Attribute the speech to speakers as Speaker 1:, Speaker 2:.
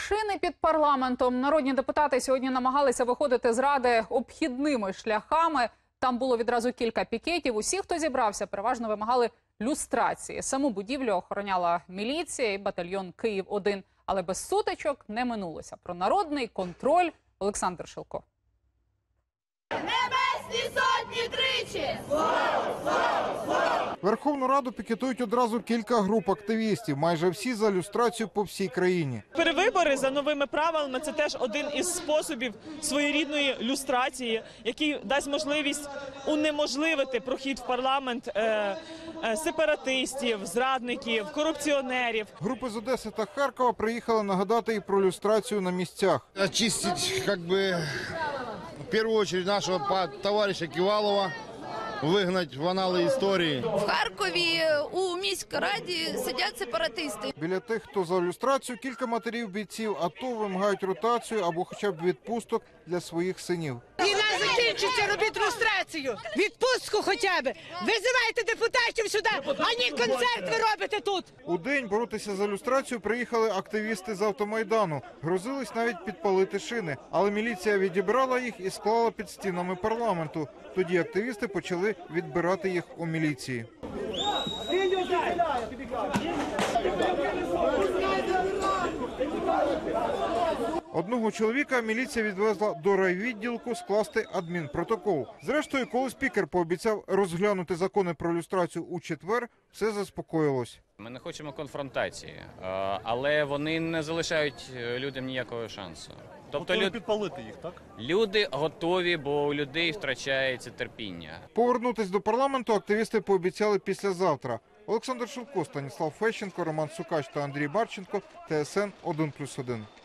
Speaker 1: Машини під парламентом. Народні депутати сьогодні намагалися виходити з Ради обхідними шляхами. Там було відразу кілька пікетів. Усі, хто зібрався, переважно вимагали люстрації. Саму будівлю охороняла міліція і батальйон «Київ-1». Але без сутичок не минулося. Про народний контроль Олександр Шилко.
Speaker 2: Небесні сотні тричі!
Speaker 3: Верховну Раду пікетують одразу кілька груп активістів. Майже всі за люстрацію по всій країні.
Speaker 4: Перевибори за новими правилами – це теж один із способів своєрідної люстрації, який дасть можливість унеможливити прохід в парламент сепаратистів, зрадників, корупціонерів.
Speaker 3: Групи з Одеси та Харкова приїхали нагадати і про люстрацію на місцях.
Speaker 5: Очистить, в первую очередь, нашего товарища Ківалова, вигнать в анали історії.
Speaker 6: В Харкові у міськраді сидять сепаратисти.
Speaker 3: Біля тих, хто за люстрацію, кілька матерів бійців АТО вимагають ротацію або хоча б відпусток для своїх синів.
Speaker 7: Війна закінчиться, робіть люстрацію, відпустку хоча б. Визивайте депутатів сюди, а не концерт ви робите тут.
Speaker 3: У день боротися за люстрацію приїхали активісти з автомайдану. Грозились навіть підпалити шини. Але міліція відібрала їх і склала під стінами парламенту. Тоді активісти почали відбирати їх у міліції. Одного чоловіка міліція відвезла до райвідділку скласти адмінпротокол. Зрештою, коли спікер пообіцяв розглянути закони про люстрацію у четвер, все заспокоїлось.
Speaker 8: Ми не хочемо конфронтації, але вони не залишають людям ніякого шансу.
Speaker 9: Тобто підпалити їх, так?
Speaker 8: Люди готові, бо у людей втрачається терпіння.
Speaker 3: Повернутись до парламенту активісти пообіцяли післязавтра. Олександр Шилко, Станіслав Фещенко, Роман Сукач та Андрій Барченко, ТСН 1+1.